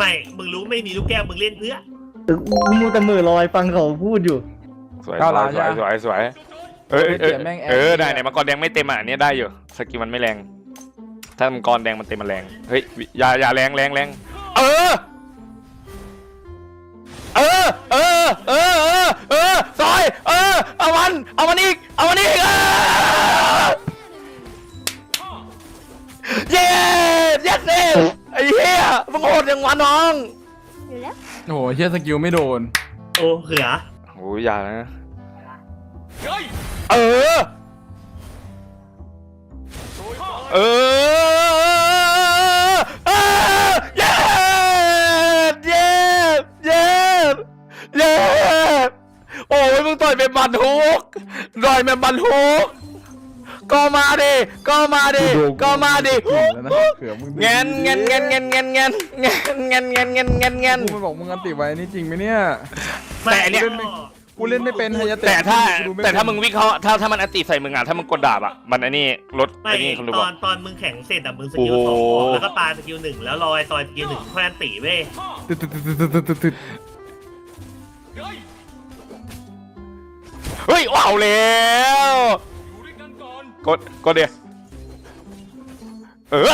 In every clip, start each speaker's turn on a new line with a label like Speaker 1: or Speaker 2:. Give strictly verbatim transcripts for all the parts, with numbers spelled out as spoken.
Speaker 1: ไม่มึงรู้ไม่มีลูกแก้วมึงเล่นเพื่อ
Speaker 2: กูมูแต่มือลอยฟังเขาพูดอยู่
Speaker 3: สวยสวยสวยสวยสวยเออเออเออได้เนี่ยมังกรแดงไม่เต็มอ่ะอันนี้ได้อยู่สกิลมันไม่แรงถ้ามังกรแดงมันเต็มมันแรงเฮ้ยอย่าอย่าแรงแรงแรงเออเออเออเออเออเออซอยเออเอามันเอามันอีกเอามันอีกเย้เย้เย้ไอ้เหี้ยมึงโหดอย่างวะน้อง
Speaker 4: อยู่แล้ว
Speaker 5: โอ้โหเฮียสกิลไม่โดน
Speaker 1: โอ้เขือ
Speaker 3: โอ้ยอย่านะเออเออเออเย้เย้เย้เย้โอ้ยมึงต่อยเป็นบันทุกต่อยเป็นบันทุกก็มาดิก็มาดิก็มาดิ
Speaker 5: แล้วนะเขือมึง
Speaker 3: เงี้ยเงี้ยเงี้ยเงี้ยเงี้ยเงี้ยเงี้ยเงี้ยเงี้ยเงี้ยเงี้ยเงี้ย
Speaker 5: กูไม่บอกมึงอันติไว้นี่จริงไหมเนี่ย
Speaker 3: แต่อันเนี้ย
Speaker 5: กูเล่นไม่เป็นไฮยาเตะ
Speaker 3: แต่ถ้า
Speaker 5: กูดูไ
Speaker 3: แต่ถ้ามึงวิเคราะห์ถ้าถ้ามันอันติใส่มึงอ่ะถ้ามึงกดดาบอ่ะมันไอ้นี่ลด
Speaker 1: ไม่
Speaker 3: ไอ้นี่คนดู
Speaker 1: ต
Speaker 3: บอ
Speaker 1: อก นตอนมึงแข่งเสร็จอะมึงสกิลสองออกแล้วก็ปาสกิลหนึ่งแล้วรอยซอยสกิลหนึ่งค่อยอันตีเว้ย
Speaker 5: ตึ๊ดตึ๊ดตึ๊ดตึ๊ดตึ๊ดตึ๊ดตึ๊ด
Speaker 3: เฮ้ยว้าวแล้วกดกดเดียวเออ
Speaker 4: ไม่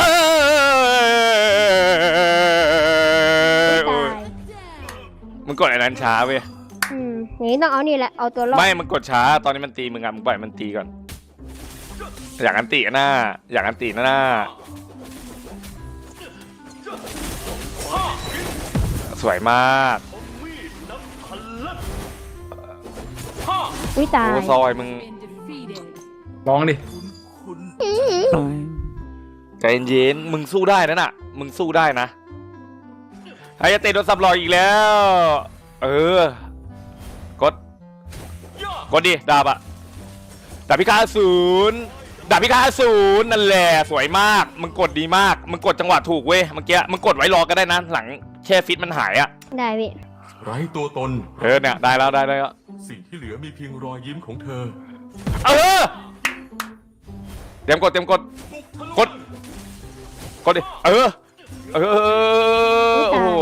Speaker 3: โอ้
Speaker 4: ตาย ย
Speaker 3: มึงกดไอ้นั้นช้าเว้ย
Speaker 4: อืมอย่างนี้ต้องเอานี่แหละเอาตัวรอด
Speaker 3: ไม่มึงกดช้าตอนนี้มันตีมึงอ่ะมึงปล่อยมันตีก่อนอยากอันติหน้าอยากอันติหน้าสวยมาก
Speaker 4: อุ้ยตาย
Speaker 3: โอ้ซอยมึง
Speaker 5: ร้องดิ
Speaker 3: ใจเย็นๆมึงสู้ได้นะน่ะ มึงสู้ได้นะไฮยาเตะโดนซับลอยอีกแล้ว เออ กด กดดิ ดาบอะดาบพิฆาตศูนย์ดาบพิฆาตศูนย์นั่นแหละ สวยมาก มึงกดดีมาก มึงกดจังหวะถูกเว้ย เมื่อกี้ มึงกดไว้รอก็ได้นะ หลังแช่ฟิตมันหายอะ
Speaker 4: ได้พี่
Speaker 6: ไร้ตัวตน
Speaker 3: เออเนี่ย ได้แล้วได้แล้ว
Speaker 6: สิ่งที่เหลือมีเพียงรอยยิ้มของเธอ
Speaker 3: เออ เตรียมกด เตรียมกด กด กดดิ เออ เออ โอ้โห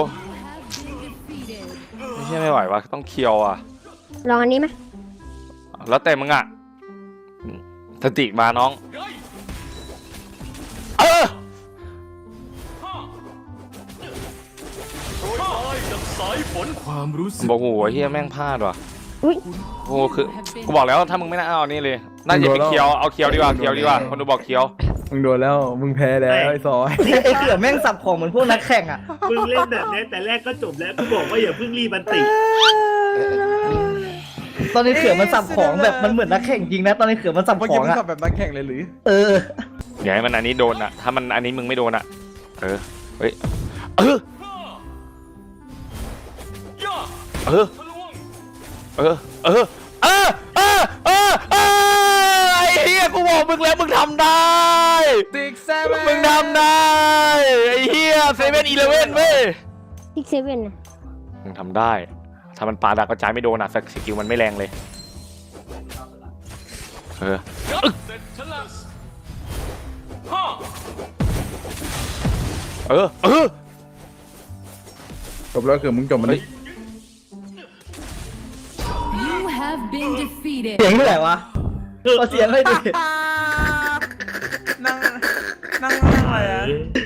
Speaker 3: ไม่ใช่ไม่ไหววะต้องเคียวอ่ะ
Speaker 4: ลองอันนี้ไหม
Speaker 3: แล้วแต่มึงอ่ะสติมาน้อง เออ
Speaker 6: ความรู้สึก
Speaker 3: บอกโหเฮียแม่งพลาดว่ะ
Speaker 4: อุ้ย
Speaker 3: โอ้คือกูบอกแล้วถ้ามึงไม่น่าเอานี่เลย น่าจะเป็นเคียว เอาเคียวดีกว่า เคียวดีกว่า คนดูบอกเคียว
Speaker 5: มึงโดนแล้วมึงแพ้แล้วไอ้ซอย
Speaker 2: ไอ้เขือแม่งสับของเหมือนพวกนักแข่งอ่ะ
Speaker 1: มึงเล่นแบบนี้แต่แรกก็จบแล้วกูบอกว่าอย่าเพิ่งรีบอันตี
Speaker 2: ตอนนี้เขือมันสับของแบบมันเหมือนนักแข่งจริงนะตอนนี้เขือมันสับ
Speaker 5: เมื่อ
Speaker 2: ข
Speaker 5: กี้
Speaker 2: อง
Speaker 5: มึง
Speaker 2: อ่ะ
Speaker 5: ขับแบบนักแข่งเลยหรือ
Speaker 2: เออ
Speaker 3: อย่าให้มันอันนี้โดนอ่ะ ถ้ามันอันนี้มึงไม่โดนอ่ะ เออ เฮ้ย เออ เออ เออ เออ เออ เออ เออ เออ ไอ้เหี้ยกูบอกมึงแล้วมึงทำได้
Speaker 5: ติ๊กแซม
Speaker 3: มึงทำได้ ไอ้เหี้ยเซเว่นอีเลเว่นเว้ย
Speaker 4: ซิกเซเว่นนะ
Speaker 3: มึงทำได้ ถ้ามันปาดากระจายไม่โดนอ่ะสกิลมันไม่แรงเลย เออ เออ เออ
Speaker 5: จบแล้วคือมึงจบมันดิ
Speaker 7: You have been defeated.
Speaker 2: เสียงเท่าไหร่วะเอาเสียงให้ดิ
Speaker 5: นั่งนั่งนั่งอะไรอ่ะ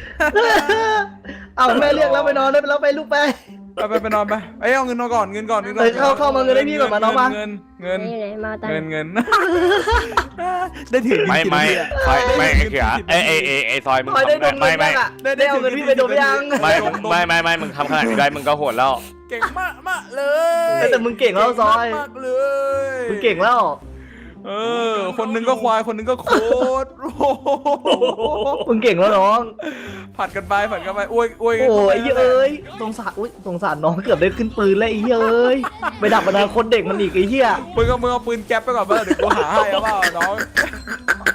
Speaker 2: เอาแม่เรียกแล้วไปนอนได้ไปแล้วไปลูกไป
Speaker 5: ไปไปไปนอนไปเอ้ยเอาเงินมาก่อนเงินก่อนเงินก่อน
Speaker 2: เอ้ยเข้าเข้ามาเงินให้พี่ก่อนมาน้องมา
Speaker 5: เงินเงิน
Speaker 4: นี่ไหนมาตัง
Speaker 5: เงิน
Speaker 4: ค์
Speaker 5: เงินได้ถือ
Speaker 3: ไม่ไม่ไม่ไม่ไอ้เขียไอ้ไอ้ไอ้ไอ้ซอยมึง
Speaker 2: คอยได้ดม
Speaker 3: ไม่
Speaker 2: เงิน
Speaker 3: ไม่
Speaker 2: บ้างอ่ะได้เอาเงินพี่ไปดมยัง
Speaker 3: ไม่ไม่ไม่ไม่มึงทำขนาดนี้ได้มึงก็โหดแล้ว
Speaker 5: เก่งมากมากเลย
Speaker 2: แต่มึงเก่งแล้วซอย
Speaker 5: มากเลย
Speaker 2: มึงเก่งแล้ว
Speaker 5: เออคนหนึงก็ควายคนหนึงก็โคตรโอ้โห
Speaker 2: มึงเก่งแล้วน้อง
Speaker 5: ผัดกันไปผัดกันไปอวยอวยกัน
Speaker 2: โอ้
Speaker 5: ไป
Speaker 2: ยเอ้ยสงสารอุ้ยสงสารน้องเกือบได้ขึ้นปืนแล้วไอ้เอ้ยไปดับอนาคตเด็กมันอีกไอ้เหี้ย
Speaker 5: มึงก็มึงเอาปืนแก๊ปไปก่อนเปล่าเดี๋ยวกูหาให้เอาเปล่าน้อง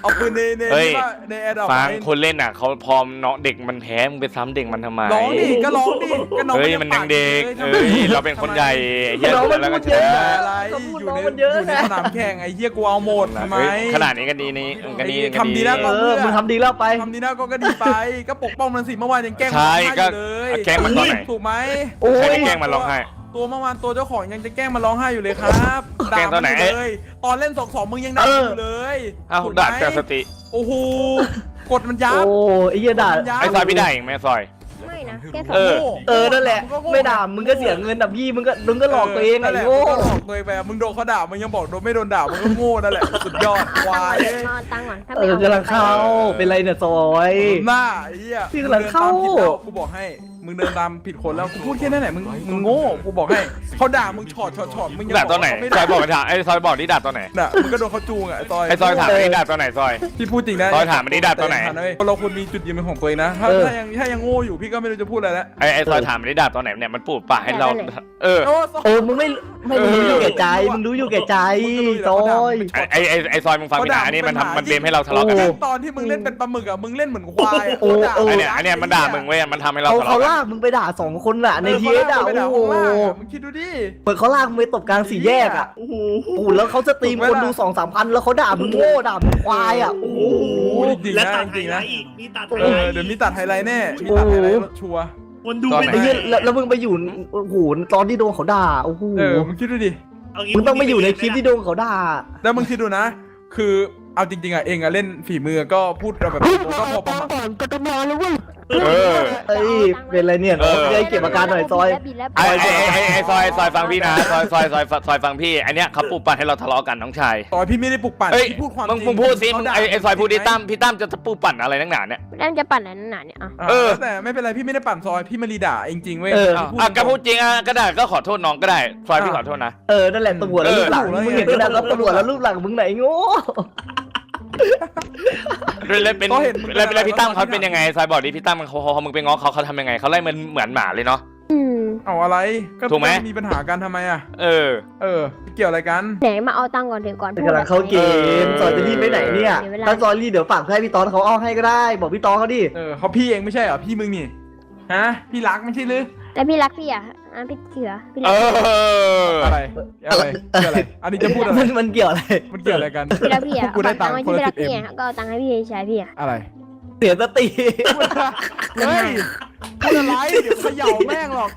Speaker 5: เอาปืนในใน
Speaker 3: เฮ้ย
Speaker 5: ที่ว่าในแอร์ดรอป
Speaker 3: ฟังคนเล่นอ่ะเขาพอเนาะเด็กมันแพ้มึงไปซ้ำเด็กมันทำไม
Speaker 5: ร้องดิก็ร้องดิก็น้อง
Speaker 3: เฮ้ยมันยังเด็กเอ้ยเราเป็นคนใหญ่ไอ้เฮีย
Speaker 2: น้องมัน
Speaker 3: แล้วก็
Speaker 2: พูด
Speaker 3: ช
Speaker 2: เยอะ
Speaker 3: นะ
Speaker 5: อะไร
Speaker 2: เขาพูด
Speaker 5: อยู่
Speaker 2: น้อง
Speaker 5: ใน
Speaker 2: มันเยอะ
Speaker 5: อยู่ใน
Speaker 2: นะ
Speaker 5: สนามแข่งไอ้เหี้ยกูเอาหมดทำไม
Speaker 3: เฮ้ยขนาดนี้ก็ดีนี่ก็ดีก็
Speaker 5: ทำดีนะ
Speaker 2: เออมึงทำดีแล้วไป
Speaker 5: ทำดีนะก็ก็ดีไปก็ปกป้องมันสิเมื่อวานยังแกล้งมัน
Speaker 3: ใช่
Speaker 5: ร้องไห้อ
Speaker 3: ก็
Speaker 5: ยู่เลย
Speaker 3: แกล้งมันตอนไหน
Speaker 5: ถูกไหม
Speaker 2: โอ้
Speaker 3: ใคร
Speaker 2: ย
Speaker 3: ได้แกล้งมันร้องไห้
Speaker 5: ตัวเมื่อวานตัวเจ้าของยังจะแกล้งมันร้องไห้อยู่เลยครับ
Speaker 3: แกล้งตอนไหน
Speaker 5: ด่ามัยู่เลยตอนเล่นสองสองมึงยังด่ามันอยู่เลย
Speaker 3: เอ้า
Speaker 5: ถูกไหม
Speaker 3: ด่าแต่สติ
Speaker 5: โอ้โหกดมันยับ
Speaker 2: โอ้ไอ้เหี้ยด่า
Speaker 3: ไอ้ซอยพี่ได้เองไหมซอย
Speaker 4: ไม่นะแค่สอ
Speaker 3: เอง อ
Speaker 5: โง่
Speaker 2: เออนั่นแหละ
Speaker 5: งก็โง่
Speaker 2: ไม่ด่ามึงก็เสียเงินดับพี่มึงก็มึงก็หลอกตัวเอง
Speaker 5: นั่
Speaker 2: ไอ้
Speaker 5: นแหละ
Speaker 2: โง่
Speaker 5: มึงก็หลอกตัวเองไปมึงโดนเขาด่ามึงยังบอกโดนไม่โดนด่ามึงก็โง่นั่นแหละสุดยอดควาย
Speaker 4: เอาตังค์ก่อนถ้า
Speaker 2: เอ
Speaker 4: ไม่
Speaker 2: อ
Speaker 4: เอา
Speaker 2: กำลังเข้าเป็นไรเนี่ยซอย
Speaker 5: หน้าไอ้เหี้ย
Speaker 2: พี่กำลังเข้า
Speaker 5: มึงดินตมผิดแล้วกูบอกให้มึงเดินตามผิดคนแล้วกูพูดแค่นั้นแหละมึงมึงโง่กูบอกให้เขาด่ามึงช็อตช็อตช็อตมึงยัง
Speaker 3: ด่าตอนไหน
Speaker 5: เขาไม่
Speaker 3: ซอยบอก
Speaker 5: ด่า
Speaker 3: ถามไอ้ซอยบอกนี่ด่าตอนไหน
Speaker 5: น่ะมึงก็โดนเขาจูงอ่ะไอ้ซอย
Speaker 3: ไอ้ซอยถามนี่ด่าตอนไหนซอย
Speaker 5: พี่พูดจริงนะ
Speaker 3: ซอยถามมันดิด่าตอนไหน
Speaker 5: เราควรมีจุดยืนเป็นของตัวเองนะถ้า
Speaker 2: เออ
Speaker 5: ถ้ายังถ้ายังโง่อยู่พี่ก็ไม่รู้จะพูดอะไรแล้ว
Speaker 3: ไอ้ไอ้ซอยถามมันนี่ด่าตอนไหนเนี่ยมันปูดปากให้เราเออ
Speaker 5: โอ้ซอย
Speaker 2: เออมึงไม่ไม่มึงรู้อยู่แก่ใจมึงรู้อยู่แก่ใจซอย
Speaker 3: ไอ้ไอ้ไอ้ซอยมึงฟังพี่นะอันนี้มันทำมันเบมให้เราทะเลาะกัน
Speaker 5: ยิ่
Speaker 3: นะ
Speaker 5: งตอนที่มึงเล่นเป็นปลาหมึกอ่ะมึงเล่นเหมือนควายอ่ะ
Speaker 2: โอ้
Speaker 5: เขาด่า
Speaker 2: โอ้
Speaker 3: ไอ้เนี่ยอันเนี้ยมันด่ามึงเว้ยมันทำให้เรา
Speaker 2: เขา
Speaker 3: ทะ
Speaker 2: เขา
Speaker 3: เลาะกัน
Speaker 2: ลากมึงไปด่าสองคนน่ะในทีเอสอ่ะ
Speaker 5: ไป
Speaker 2: โอ้
Speaker 5: ด่า
Speaker 2: โห
Speaker 5: ข้างล่างอะมึงคิดดูดิ
Speaker 2: เหมือนเขาลากมึงไปตบกลางสี่แยกอ่ะ
Speaker 1: โอ้โห
Speaker 2: โอ้โหแล้วเขาสตรีมคนดูสองสามพันแล้วเขาด่ามึงโง่ด่ามึงควายอ่ะโอ้โห
Speaker 5: โอ้จริงๆ
Speaker 1: และ
Speaker 5: นะ
Speaker 1: ตัด
Speaker 5: จ
Speaker 1: ไฮ
Speaker 5: ริงๆ
Speaker 1: ไล
Speaker 5: นะ
Speaker 1: ท์อีกมีตัดไฮ
Speaker 5: เอ
Speaker 1: ไล
Speaker 5: อ
Speaker 1: ท์
Speaker 5: เดี๋ยวมีตัดไฮไลท์แน่มีตัดไฮไลท์ชัวร์
Speaker 1: คนดู
Speaker 3: ตอน
Speaker 1: เป็น
Speaker 3: ไหน
Speaker 2: ไอ้เหี้ยแล้วแล้วมึงไปอยู่โอ้โหตอนที่โดนเขาด่าโอ้โห
Speaker 5: เออมึงคิดดูดิ
Speaker 1: เางี้
Speaker 2: มึงต้องไม่อยู่ในคลิปที่โดนเขาด่า
Speaker 5: แล้วมึงคิดดูนะ คือเอาจริงๆอ่ะเองอ่ะเล่นฝีมือก็พูดแบบก็พอประมาณ
Speaker 3: เออ
Speaker 2: เอ้ยเป็นไรเนี่ยน้อง
Speaker 3: เออ
Speaker 2: เอ้ยเก็บอาการหน่อยซอย
Speaker 4: บิดแล้ว
Speaker 3: ไอ้ไอ้ไอ้ไอ้ซอยซอยฟังพี่นะซอยซอยซอยซอยฟังพี่อันเนี้ยเขาปูดปากให้เราทะเลาะกันน้องชาย
Speaker 5: ต่อยพี่ไม่ได้ปลุกปั่น
Speaker 3: เฮ้ย
Speaker 5: พี่พูดความ
Speaker 3: มึง
Speaker 5: จริง
Speaker 3: มึงพูดสิมึง
Speaker 5: เขาา
Speaker 3: ไอ้ไอ้ซอยพูดดิ
Speaker 5: จริงไหม
Speaker 3: ตั้มพี่ตั้มจะปูดปั่นอะไรนักหนาเนี่ย
Speaker 4: แล้วมันจะปั่นอะไรนั่นน่ะเนี่ยอ่ะ
Speaker 5: อ่ะ
Speaker 3: เออ
Speaker 5: แต่ไม่เป็นไรพี่ไม่ได้ปั่นซอยพี่มารีด่าเองจริงเว้ย
Speaker 2: เออ
Speaker 3: อ่ะอ่ะก็พูดจริงอ่ะก็ได้ก็ขอโทษน้องก็ได้ซอยพี่ขอโทษนะ
Speaker 2: เออนั่นแหละตำรวจแล้วรูปหลังมึงเห็นกันแล้วตำรวจแล้วรูปหลังมึงไหนโง่
Speaker 3: แล้วเป็นแล้วแล้วพี่ตั้มเขาเป็นยังไงซอยบอกดิพี่ตั้มเขาเขามึงไปง้อเขาเขาทำยังไงเขาไล่มันเหมือนหมาเลยเนาะ
Speaker 4: อืม
Speaker 5: เอาอะไรก็
Speaker 3: ถูกไหม
Speaker 5: มีปัญหากันทำไมอ่ะ
Speaker 3: เออ
Speaker 5: เออเกี่ยวอะไรกัน
Speaker 4: ไหนมาเอาตังค์ก่อนเดี๋ยวก่อนพูด
Speaker 2: กำลังเข้าเกมซอยจะรีบไปไหนเนี่ย
Speaker 4: เดี๋ยวเวลา
Speaker 2: ถ้าซอยรีบเดี๋ยวฝากให้พี่ตอนเขาเอาให้ก็ได้บอกพี่ตอนเขาดิ
Speaker 5: เออเขาพี่เองไม่ใช่เหรอพี่มึงนี่ฮะพี่รักไม่ใช่หรือ
Speaker 4: แล้วพี่รักพี่อ่ะอ่ะพี่เขือพี่รั
Speaker 3: เอก อ
Speaker 5: อะไรอะไรเกี่ยวอะไรอันนี้จะพูดอะไร
Speaker 2: มันมันเกี่ยวอะไร
Speaker 5: มันเกี่ยวอะไรกัน
Speaker 4: พี่รักพี่
Speaker 5: พว
Speaker 4: อ่ะ
Speaker 5: กกูได้ตังค์
Speaker 4: เอา
Speaker 5: คน
Speaker 4: พี่
Speaker 5: ละ
Speaker 4: รั
Speaker 5: สิ
Speaker 4: ก
Speaker 5: บเอ็
Speaker 4: พี่
Speaker 5: ม
Speaker 4: อ่ะก็เอาตังค์ให้พี่ชายพี่อ่ะ
Speaker 5: อะไร
Speaker 2: เสียสติ
Speaker 5: เฮ้ยพูดอะไรเดี๋ยวเขย่าแม่งหรอก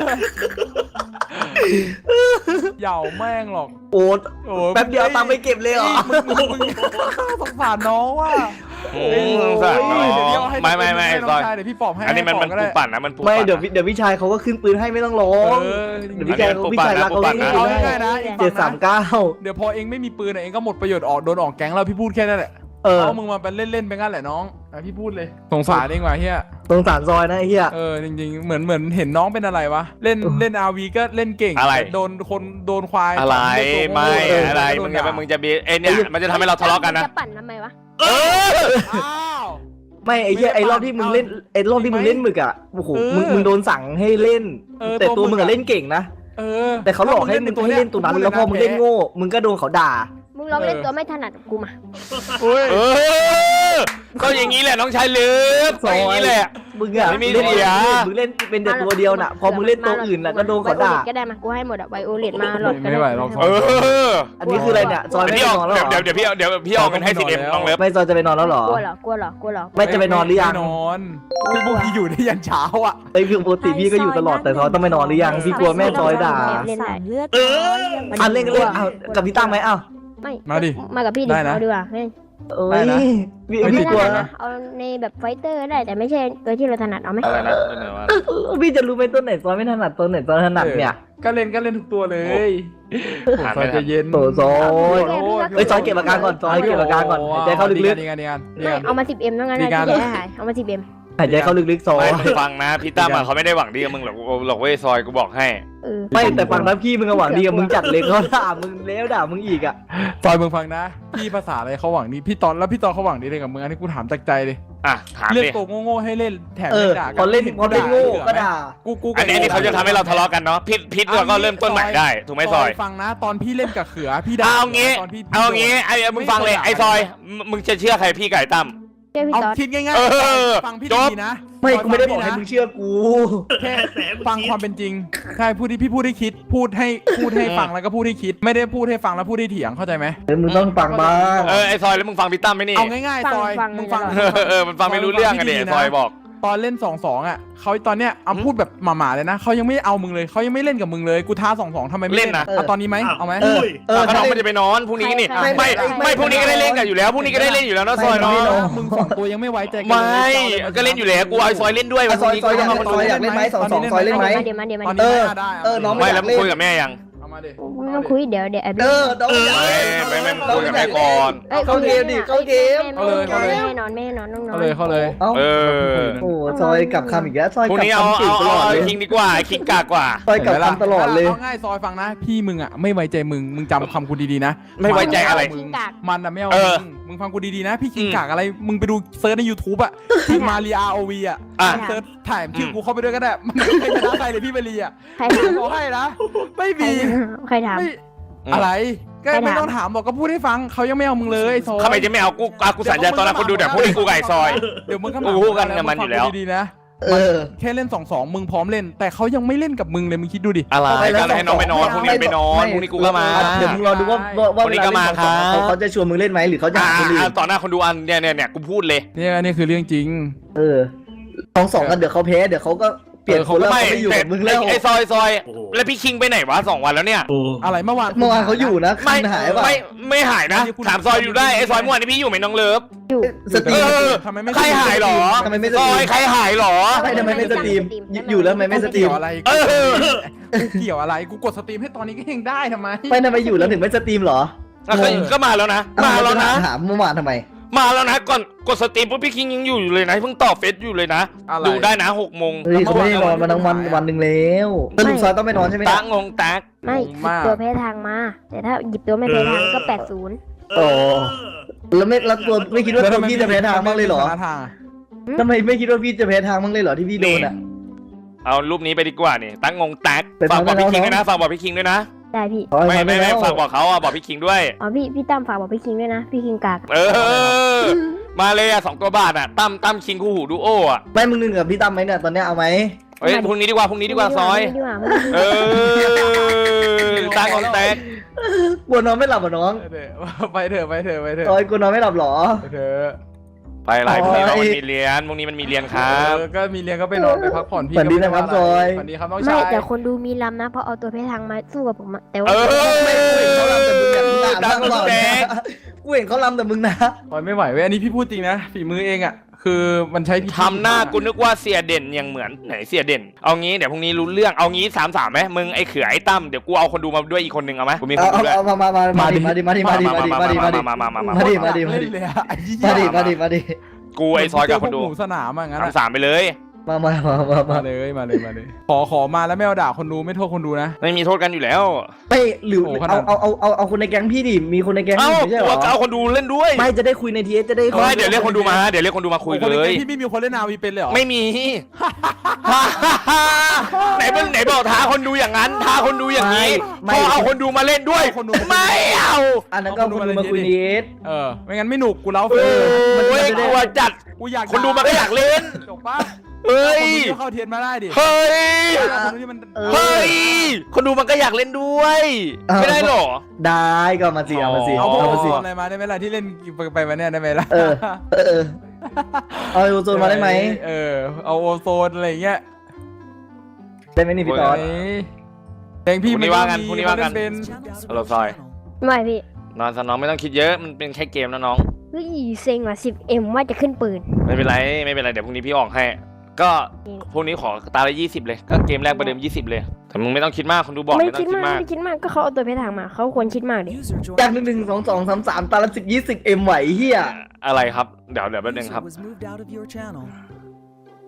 Speaker 5: เหย่าแม่งหรอก
Speaker 2: โอ้
Speaker 5: โอ้
Speaker 2: แป๊บเดียวตังค์ไปเก็บเลยเหรอ
Speaker 5: มึงมึงมึงสงสารน้องว่ะ
Speaker 3: โอ้สงสารน้อง
Speaker 5: เดี๋ยวพี่เอาให้
Speaker 3: ไม่ไม่ไม่
Speaker 5: ให้น้
Speaker 3: ซ
Speaker 5: อง
Speaker 3: อย
Speaker 5: ชายเดี๋ยวพี่ปอบให้
Speaker 3: อันนี้มันมัน
Speaker 5: ให้
Speaker 3: ปู
Speaker 5: ป
Speaker 3: ด
Speaker 5: อบก็
Speaker 3: ปั่นนะมันปูด
Speaker 2: ไม่
Speaker 3: ปั่น
Speaker 2: เดี๋ยว
Speaker 3: นะ
Speaker 2: เดี๋ยวพี่ชายเขาก็ขึ้นปืนให้ไม่ต้องร้อง
Speaker 5: เออ
Speaker 2: เดี๋ยวพี่ชายเขาพี่ชายรักเขา
Speaker 3: ปู
Speaker 2: เล่
Speaker 3: ด
Speaker 2: น
Speaker 3: ปั่นนะ
Speaker 2: ให้
Speaker 5: เอา
Speaker 2: ได้
Speaker 5: ง่ายๆนะ
Speaker 2: เจ็ดสามเก้า
Speaker 5: เดี๋ยวพอเองไม่มีปืนอะเองก็หมดประโยชน์ออกโดนออกแก๊งแล้วพี่พูดแค่นั้นแหละ
Speaker 2: เออ
Speaker 5: เอามึงมาเป็นเล่นๆไปงั้นแหละน้องอ่ะพี่พูดเลยสงสารเองว่ะเฮีย
Speaker 2: สงสารซอยนะไอ้เหี้ย
Speaker 5: เออจริงๆเหมือนเหมือนเห็นน้องเป็นอะไรวะเล่นเล่นอาวีก็เล่นเก่ง
Speaker 3: อะไร
Speaker 5: โดนคนโดนควาย
Speaker 3: อะไร
Speaker 5: เล่นตัวโง่
Speaker 3: ไม่
Speaker 5: เ
Speaker 3: อะไร
Speaker 5: โด
Speaker 3: มึ
Speaker 5: น
Speaker 3: งจะ
Speaker 5: ด่า
Speaker 3: มึงจะบีไอเนี่ยมันจะทำให้เราทะเลาะกันนะ
Speaker 4: จะปั่นทำไมวะ
Speaker 3: เออ
Speaker 5: อ้าว
Speaker 2: ไม่ไอ้เหี้ยไอ้รอบที่มึงเล่นไอ้รอบที่มึงเล่นหมึกอ่ะโอ้โห
Speaker 5: เออ
Speaker 2: มึงมึงโดนสั่งให้เล่น
Speaker 5: เออ
Speaker 2: แต่ตัวมึง
Speaker 5: ตัวมึง
Speaker 2: อะ
Speaker 5: อะ
Speaker 2: เล่นเก่งนะ
Speaker 5: เออ
Speaker 2: แต่เขาหลอกให้มึงให้เล่นตัวนั้นแล้วพอมึงเล่นโง่มึงก็โดนเขาด่า
Speaker 4: มึงลองเล่นตัวไม่ถนัดกับกูมา
Speaker 5: โอ้ย
Speaker 3: เออก็อย่างนี้แหละน้องชายลืมก็อย่างนี้แหละ
Speaker 2: มึงอะ
Speaker 3: ไม่มี
Speaker 2: เล่น
Speaker 3: เสีย
Speaker 2: มึงเล่นเป็นแต่ตัวเดียวน่ะ พอมึงเล่นตัวอื่นน่ะก็โดนเขาด่า
Speaker 4: ไวโอเลตก็ได้มากูให้หมดอะไวโอเลตมาหลอดก็
Speaker 5: ไม่ไหวหรอก
Speaker 3: เออ
Speaker 2: อันนี้คืออะไรเนี่ยซอยไม่
Speaker 3: เดี๋ยว
Speaker 2: ไปนอนแล้วเหรอ
Speaker 3: เดี๋ยวเดี๋ยวพี่เอาเดี๋ยวพี่เอาเงินให้สิเอ็มน้องเลิฟ
Speaker 2: ไม่ซอยจะไปนอนแล้วเหรอก
Speaker 4: ลัวเหรอกลัวเหรอกลัวเหรอ
Speaker 2: ไม่จะไปนอนหรือยัง
Speaker 5: ไม่นอนพี่พวกพี่อยู่ได้ยันเช้าอ่ะ
Speaker 2: ไอ้ยคือปกติพี่ก็อยู่ตลอดแต่ซอยต้องไปนอนหรือยังพี่กลัวแม่ซอยด่า
Speaker 4: เล่นได้
Speaker 8: เลือด
Speaker 1: เออ
Speaker 2: อันเล่นกันเล่นเอากับพี่ตั้งไหมเอ้า
Speaker 4: ไม่
Speaker 5: มาดิ
Speaker 4: มากับพี่ดิ
Speaker 5: ได้นะ
Speaker 4: เอาดีกว่าไม่
Speaker 2: เอ้
Speaker 5: ได้
Speaker 2: ย
Speaker 5: นะ
Speaker 2: พี่
Speaker 5: ไม่
Speaker 2: พี่
Speaker 5: ติด
Speaker 2: กลัว
Speaker 5: นะ
Speaker 2: นะ
Speaker 4: เอาในแบบไฟเตอร์ก็ได้แต่ไม่ใช่ตัวที่เราถนัดเอาไหม
Speaker 3: อะไรนะเออว่า
Speaker 2: พี่จะรู้ไหมตัวไหนซอยไม่ถนัดตัวไหนซอยถนัดเนี่ย
Speaker 5: ก็เล่นก็เล่นทุกตัวเลย
Speaker 3: อ่าน
Speaker 5: ซอย
Speaker 3: ไม่ทั
Speaker 5: ใจะ
Speaker 3: น
Speaker 5: เย็น
Speaker 2: โถซอย
Speaker 5: โอ้โห
Speaker 2: เอ้ยซอยเก็บอาการก่อนซอยเก็บอาการก่อนหายใจเข้าลึก
Speaker 5: ๆดีกันดีกันดี
Speaker 4: ไม่
Speaker 5: กัน
Speaker 4: เอามาสิบเอ็มต้องงั้น
Speaker 5: มี
Speaker 4: นะ
Speaker 5: การ
Speaker 4: ที่จะให้หายเอามาสิบเอ็ม
Speaker 2: ๆหายใจเข้าลึกๆซอ
Speaker 3: ไม่
Speaker 2: ย
Speaker 3: มึงฟังนะพี่ตั้มอะเขาไม่ได้หวังดีกับมึงหรอกหรอกเว้ยซอยกูบอกให้
Speaker 4: เออ
Speaker 2: ไม่แต่ฝั่งนั้นพี่มึงก็หวังดีกับมึงจัดเลยเขาด่ามึงแล้วด่ามึงอีกอ่ะ
Speaker 5: ซอยมึงฟังนะ พี่ภาษาอะไรเขาหวังดีพี่ตอนแล้วพี่ตอนเขาหวังดีเลยกับมึงอันนี้กูถามจากใจเลย
Speaker 3: อ่ะถาม
Speaker 5: เรื่อง
Speaker 3: ดิ
Speaker 5: ตัวโง่ๆให้เล่นแถม
Speaker 2: เออ
Speaker 5: ไม่ด่า
Speaker 2: พอเล่นพอเล่นโง่ก็ด่า
Speaker 5: กูกู
Speaker 3: อันนี้อันนี้เขาจะทำให้เราทะเลาะกันเนาะพิษพิษเราก็เริ่มต้นใหม่ได้ถูกไหมซอย
Speaker 5: ฟังนะ ตอนพี่เล่นกับเขือพี่ด่า
Speaker 3: เอางี้
Speaker 5: ตอนพี่
Speaker 3: เอางี้ไอ้มึงฟังเลยไอ้ซอยมึงมึงจะเชื่อใครพี่ไก่ตั้ม
Speaker 4: เจ้าพี่
Speaker 5: เอา
Speaker 4: ตอด
Speaker 5: คิดง่าย
Speaker 3: เออ
Speaker 5: ฟังพี่
Speaker 3: จบ
Speaker 5: ดีๆนะ
Speaker 2: ไม่กูไม่ได้บอกให้มึงเชื่อกู
Speaker 5: แค่ฟังความเป็นจริงใช่พูดที่พี่พูดให้คิด พูดให้พูดให้ฟังแล้วก็พูดให้คิด ไม่ได้พูดให้ฟังแล้วพูดให้เถียงเข้าใจไหม
Speaker 2: เออมึงต้องฟังบ้าง
Speaker 3: เออไอ้ซอยแล้วมึงฟังพี่ตั้มไหมนี่
Speaker 5: เอาง่ายๆซอยมึงฟัง
Speaker 3: เออเออมันฟังไม่รู้เรื่องอะเดี๋ยวซอยบอก
Speaker 5: ตอนเล่นสองสองอ่ะเขาตอนเนี้ยเอาพูดแบบหมาๆเลยนะเขายังไม่เอามึงเลยเขายังไม่เล่นกับมึงเลยกูท้าสองสองทำไมไม่
Speaker 3: เล่นนะ
Speaker 5: เอาตอนนี้ไหมเอาไหม
Speaker 2: เออเออ
Speaker 3: ถ้า
Speaker 2: ถ้า
Speaker 3: น้อง
Speaker 2: เล่
Speaker 3: มัน
Speaker 2: น
Speaker 3: จะไปนอนพรุ่งนี้นี่
Speaker 4: ใคร
Speaker 3: ไม่
Speaker 4: ใคร
Speaker 3: ไม่พรุ่งนี้ก็ได้เล่นกันอยู่แล้วพรุ่งนี้ก็ได้เล่นอยู่แล้วนะซอยเนาะ
Speaker 2: ไม่
Speaker 5: มึงสองตัวยังไม่ไว้ใจกัน
Speaker 3: ไม่
Speaker 5: เลย
Speaker 3: ก็เล่นอยู่แล้วกูเอาไอ้ซอยเล่นด้วยวัน
Speaker 2: ซอย
Speaker 3: นี้
Speaker 2: ซอยอยาก
Speaker 3: ก็
Speaker 2: เล่น
Speaker 3: มา
Speaker 2: ซอยอยากเล่นไหมสองสองซอยเล่นไหม
Speaker 4: เดี๋ยวมาเดี๋ยวมา
Speaker 5: ตอน
Speaker 4: เดี๋ยว
Speaker 5: นี้
Speaker 2: เออ
Speaker 5: ได้
Speaker 2: เออน้อง
Speaker 3: ไม่แล้วมึงคุยกับแม่ยัง
Speaker 5: เอามาดิ
Speaker 4: ไม่ต้องคุยเดี๋ยวเดี๋ยวแอบ
Speaker 2: เออน้องอยาก
Speaker 3: ไม่
Speaker 2: เล่น
Speaker 3: ไม่ไม่คุยกับแม่ก่อน
Speaker 4: อ้ย
Speaker 2: เข้าเกมดิเข้าเกม
Speaker 4: แม่ให้นอนแม่ให้นอนน้องนอ
Speaker 5: เข้าน เลยเข้าเลย
Speaker 2: เอ้า
Speaker 3: เออ
Speaker 2: โอ้ซอยกลับคำอีกแล้วซอย
Speaker 3: พรุ่ง
Speaker 2: กลับ
Speaker 3: นี้เอา
Speaker 2: คำเก่ง
Speaker 3: เอา
Speaker 2: ตลอด
Speaker 3: เอา
Speaker 2: เลย
Speaker 3: คิงดีกว่าคิงกากกว่า
Speaker 2: ซอยกลับคำตลอดเลย
Speaker 5: เอาง่ายซอยฟังนะ พี่มึงอ่ะไม่ไว้ใจมึงมึงจำคำกูดีๆนะ
Speaker 3: ไม่ไว้ใจอะไร
Speaker 5: มึงมันอ่ะไม่เอา
Speaker 3: เออ
Speaker 5: มึงมึงฟังกูดีๆนะ พี่คิง
Speaker 3: อืม
Speaker 5: กากอะไรมึงไปดูเซิร์ชใน YouTube อ่ะคิงมารีอาร์โอวีอ่ะ
Speaker 3: อ่ะ
Speaker 5: เซิร์ชถ่ายชื่อกูเข้าไปด้วยก็ได้มันไม่เคยชนะใครเลยพี่เบรีอ่ะ
Speaker 4: ใครถาม
Speaker 5: บอกให้นะไม่
Speaker 4: ใคร
Speaker 5: มี
Speaker 4: ใครถาม
Speaker 5: ไม่อะไรก็
Speaker 4: ใครถาม
Speaker 5: ไม่ต้องถามบอกก็พูดให้ฟังเขายังไม่เอามึงเลยซอย
Speaker 3: ทำไมจะไม่เอากูอ่ะกูสัญญาตอนนั้นคนดูแต่พวกนี้กูไก่ซอย
Speaker 5: เดี๋ยวมึงก็
Speaker 3: กูรู้กันกับมันอยู่แล้ว
Speaker 5: ฟังกูดีๆนะ
Speaker 2: เออ
Speaker 5: แค่เล่นสองสองมึงพร้อมเล่น แต่เขายังไม่เล่นกับมึงเลยมึงคิดดูดิ
Speaker 3: อะไร
Speaker 2: ไปแล้ว
Speaker 3: ก็ให้น้องไปนอนพรุ่งนี้ไปนอน
Speaker 2: ไม่
Speaker 3: พรุ่งนี้กูก็มา
Speaker 2: เดี๋ยวมึงรอดูว่าว่าว่า
Speaker 3: วัน
Speaker 2: เว
Speaker 3: นี้
Speaker 2: ลา
Speaker 3: ก็
Speaker 2: เล่น
Speaker 3: มา
Speaker 2: สองสอง
Speaker 3: ครับ
Speaker 2: เขาเขาจะชวนมึงเล่นไหมหรือเขาจะ
Speaker 3: อ่า
Speaker 2: หาคนอื่
Speaker 3: อ่าน ต่อหน้าคนดูอันเนี่ยเนี่ยเนี่ยกูพูดเลย
Speaker 5: เนี่ยอันนี้คือเรื่องจริง
Speaker 2: เออสองสองกันเดี๋ยวเขาแพ้เดี๋ยวเขาก็เปลี่ยนคนแล้ว
Speaker 3: ไม่
Speaker 2: เขาไม่อยู่
Speaker 3: แต่
Speaker 2: กับมึงแล้ว
Speaker 3: ไอ้ซอยซอย
Speaker 1: โอ้โห
Speaker 3: แล้วพี่คิงไปไหนวะสองวันแล้วเนี่ย
Speaker 1: โอ้
Speaker 5: อะไรเมื่อวาน
Speaker 2: เมื่อวานเขาอยู่นะ
Speaker 3: ไม่
Speaker 2: คืนหายป่ะ
Speaker 3: ไม่ไม่หายนะถามซอยอยู่ได้ไอ้ซอยเมื่อวานนี้พี่อยู่ไหมน้องเลิฟ
Speaker 4: อยู่
Speaker 2: สตรี
Speaker 3: เอ
Speaker 2: ม
Speaker 3: อ
Speaker 5: ทำไมไม่
Speaker 3: ใครหายหรอ
Speaker 2: ทำไมไม่ส
Speaker 3: ซ
Speaker 2: ตรี
Speaker 3: อ
Speaker 2: ม
Speaker 3: ยใครหายหรอ
Speaker 2: ไม่ทำไมไม่สตรีมอยู่แล้วทำไมไม่สตรีม
Speaker 5: เกี่ยวอะไร
Speaker 3: เออ
Speaker 5: กูเกี่ยวอะไรกูกดสตรีมให้ตอนนี้ก็ยังได้ทำไม
Speaker 2: ไม่ทำไมอยู่แล้วถึงไม่สตรีมเหรอ
Speaker 3: อ่ะก็ก็มาแล้วนะ มาแล้วนะ
Speaker 2: ถามเมื่อวานทำไม
Speaker 3: มาแล้วนะก่อนกดสตรีมปุ๊บพี่คิงยังอยู่อยู่เลยนะเพิ่งตอบเฟซอยู่เลยนะ
Speaker 5: อะไร
Speaker 3: ดูได้นะหกโมง
Speaker 2: เฮ้ยเขาไม่ได้นอนมาทั้งวันวันหนึ่งแล้วสรุปซอยต้องไปนอนใช่ไหม
Speaker 3: ตา
Speaker 2: เนี่ย
Speaker 3: งงตัก
Speaker 4: ไม่หยิบตัวแพ้ทางมา แต่ถ้าหยิบตัวไม่แพ้ทางก็แปดศูนย์
Speaker 2: โอ้แล้วไม่แล้วตัวไม่คิดว่าตัวพี่จะแพ้ทางบ้างเลยเหรอ
Speaker 5: ทางอะ
Speaker 2: ทำไมไม่คิดว่าพี่จะแพ้ทางบ้างเลยเหรอที่พี่โดนอ่ะ
Speaker 3: เอารูปนี้ไปดีกว่านี่ตั้งงงตัก
Speaker 2: ไป
Speaker 3: ฝากบอกพี่
Speaker 2: ทำได้
Speaker 3: คิง
Speaker 2: แล้ว
Speaker 3: ด้วยนะฝากบอกพี่คิงด้วยนะ
Speaker 4: ได้พี่
Speaker 2: ขอให้
Speaker 3: ไม่
Speaker 2: ทำ
Speaker 3: ไม่
Speaker 2: ได้
Speaker 3: ไม่
Speaker 2: แล้ว
Speaker 3: ฝากบอกเขาอ่ะบอกพี่คิงด้วย
Speaker 4: อ๋อพี่พี่ตั้มฝากบอกพี่คิงด้วยนะ พี่คิงกาก
Speaker 3: เออ มาเลยอ่ะสองตัวบาทอ่ะตั้มตั้มคิงคู่หูดูโออ่ะ
Speaker 2: ไม่มึงหนึ่งกับพี่ตั้มไหมเนี่ยตอนเนี้ยเอาไหม
Speaker 3: เฮ้ยพรุ่งนี้ดีกว่าพรุ่งนี้ดีกว่าซอย
Speaker 4: ไม่ดีกว่าไม่ดีกว่า
Speaker 3: เออตั้งงงแตก
Speaker 2: กลัวนอนไม่หลับเหรอน้อง
Speaker 5: ไปเถอะไปเถอะไปเถอะ
Speaker 2: ซอยกลัวนอนไม่หลับเหรอ
Speaker 5: ไปเถอะ
Speaker 3: ไปหลายพรุ่งนี้
Speaker 2: โอ้
Speaker 3: น้อง
Speaker 2: ย
Speaker 3: มันมีเรียนพรุ่งนี้มันมีเรียนครับ
Speaker 5: เออก็มีเรียนก็ไปนอนไปพักผ่อนพี่
Speaker 2: ฝันดีนะครับ
Speaker 5: ก็ไม่ว่า
Speaker 2: ซอย
Speaker 5: ฝันดีครับน้อง
Speaker 4: ไม่
Speaker 5: ชาย
Speaker 4: แต่คนดูมีลำนะ เพราะเอาตัวแพ้ทางมาสู้กับผมอะแต่ว่า
Speaker 3: เออ
Speaker 2: ไม่กูเห็นเขาลำแต่มึงเนี่ยมึงด่า
Speaker 3: ตั้
Speaker 2: มาง ก
Speaker 3: ง
Speaker 2: ตลอด
Speaker 3: แต
Speaker 2: นะ
Speaker 3: ก
Speaker 2: กูเห็นเขาลำแต่มึงนะ
Speaker 5: ซอยไม่ไหวเว้ยอันนี้พี่พูดจริงนะฝีมือเองอ่ะคือมันใช้พิธี
Speaker 3: ทำหน้ากูนึกว่าเสียเด่นยังเหมือนไหนเสียเด่น เอางี้เดี๋ยวพรุ่งนี้รู้เรื่องเอางี้สามสามไหมมึงไอ้เขือไอ้ตั้มเดี๋ยวกูเอาคนดูมาด้วยอีกคนนึงเอาไหมกูมีค
Speaker 2: เอา
Speaker 3: นดู
Speaker 2: เอา
Speaker 3: ด้วย
Speaker 2: เอามามามามาดิมาดิมาดิมาดิมาดิมาดิมาดิ
Speaker 3: มามามามา
Speaker 2: มาดิมาดิมาดิ
Speaker 5: เล่นเลยอะไอ้เหี้ย
Speaker 2: มาดิมาดิมาดิ
Speaker 3: กูไอ้ซอยกับคนดู
Speaker 5: หมูสนามอะงั้น
Speaker 3: สาม
Speaker 5: อะ
Speaker 3: สามไปเลย
Speaker 2: มามามามามา
Speaker 5: มาเลยมาเลยมาเลยขอขอมาแล้วไม่เอาด่าคนดูไม่โทษคนดูนะ
Speaker 3: ไม่มีโทษกันอยู่แล้ว
Speaker 2: ไม่หรือ
Speaker 5: โอ้ขนา
Speaker 2: เอา
Speaker 5: ด
Speaker 2: เอาเอาเอาเอาคนในแก๊งพี่ดิมีคนในแก๊ง
Speaker 3: เอ้า
Speaker 2: พี่ไม่ใช่เหร
Speaker 3: ตัว
Speaker 2: อ
Speaker 3: เอาคนดูเล่นด้วย
Speaker 2: ไม่จะได้คุยในทีเอสจะได้
Speaker 3: ไม่เดี๋ยวเรียกคนดูมาเดี๋ยวเรียกคนดูมาคุย
Speaker 5: โอ้
Speaker 3: เลย
Speaker 5: นในแก๊งพี่ไม่มีคนเล่นนาวีเป็นเลยเหรอ
Speaker 3: ไม่มี ไหนมึงไหนบอกท้าคนดูอย่างนั้นท้าคนดูอย่างนี้พอเอาคนดูมาเล่นด้วยไม่เอา
Speaker 2: อันนั้นก็เอาคนดูมาคุยในทีเอส
Speaker 5: เออไม่งั้นไม่หนุกกูเล่า
Speaker 3: โอ
Speaker 5: เฟร้
Speaker 3: ยกลัวจัด
Speaker 5: กูอยาก
Speaker 3: คนดูมันก็อยากเล่น
Speaker 5: จบปะ
Speaker 3: เฮ้ย
Speaker 5: คนดูเข้าเทียนมาได้ดิ
Speaker 3: เฮ้ย
Speaker 5: คนดูที่มัน
Speaker 3: เฮ้ย คนดูมันก็อยากเล่นด้วย ไม่ได้หรอ
Speaker 2: ได้ก็มาสิเอามาสิ
Speaker 5: เอาพวก
Speaker 2: เอา
Speaker 5: โอ
Speaker 2: มา
Speaker 5: โซ
Speaker 2: สิ
Speaker 5: นอะไรมาได้ไหมล่ะที่เล่นไปมาเนี่ยได้ไหมล่ะ
Speaker 2: เออเออเออเอาโอโซนมาได้ไหม
Speaker 5: เออเอาโอโซนอะไรเงี้ย
Speaker 2: ได้ไหมนี่พี่ตอน
Speaker 5: เพลงพี่
Speaker 3: พรุ่งนี้ว่ากันพรุ่งนี้ว่ากัน
Speaker 5: เป็น
Speaker 3: ฮัลโหลซอย
Speaker 4: ไม่พี่
Speaker 3: นอนซะน้องไม่ต้องคิดเยอะมันเป็นแค่เกมนะน้อง
Speaker 4: เฮ้ยเซ็งว่ะสิบเอ็มว่าจะขึ้นปืน
Speaker 3: ไม่เป็นไรไม่เป็นไรเดี๋ยวพรุ่งนี้พี่ออกให้ ก็พรุ่งนี้ขอตาละยี่สิบเลยก็เกมแรกประเดิมยี่สิบเลยแต่มึงไม่ต้องคิดมากคนดูบอก
Speaker 4: ไม่
Speaker 3: ไม่ต้อ
Speaker 4: คิด
Speaker 3: งคิด
Speaker 4: มาก
Speaker 3: มาก
Speaker 4: ไม่คิดมากก็เขาเอาตัวแพ้ทางมาเขาควรคิดมากดิ
Speaker 2: จากหนึ่งหนึ่งสองสองสามสามตาละสิบยี่สิบเอ็มไหวเฮีย
Speaker 3: อะไรครับเดี๋ยวเดี๋ยวแป๊บนึงครับ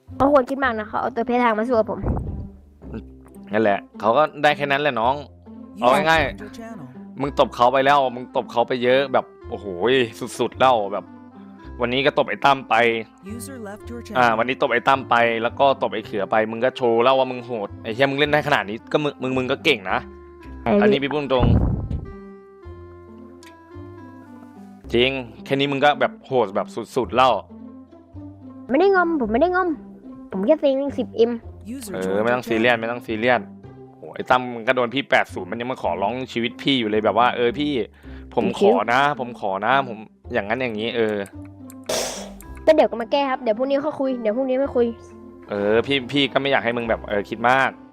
Speaker 4: เขาควรคิดมากนะเขาเอาตัวเพทางมาสู้กับผม
Speaker 3: นั่นแหละเขาก็ได้แค่นั้นแหละน้องเอาง่ายๆมึงตบเขาไปแล้วมึงตบเขาไปเยอะแบบโอ้โหสุดๆแล้วแบบ วันนี้ก็ตบไอ้ตั้มไปอ่าวันนี้ตบไอ้ตั้มไปแล้วก็ตบไอ้เขือไปมึงก็โชว์แล้วว่ามึงโหดไอ้เหี้ยมึงเล่นได้ขนาดนี้ก็มึงมึงมึงก็เก่งนะอันนี้พี่พูดตรงจริงแค่นี้มึงก็แบบโหดแบบสุดๆแล้ว
Speaker 4: ไม่ได้งอมผมไม่ได้งอมผมแค่เซ็งสิบเอ็ม
Speaker 3: เออไม่ต้องซีเรียสไม่ต้องซีเรียสโอ้ไอ้ตั้มมันก็โดนพี่แปดศูนย์มันยังมาขอร้องชีวิตพี่อยู่เลยแบบว่าเออพี่ผมขอนะ ผมขอนะผมอย่างนั้นอย่างนี้เออ
Speaker 4: ก็เดี๋ยวก็มาแก้ครับเดี๋ยวพรุ่งนี้เขาคุยเดี๋ยวพรุ่งนี้ไม่คุย
Speaker 3: เออพี่พี่ก็ไม่อยากให้มึงแบบเออคิดมาก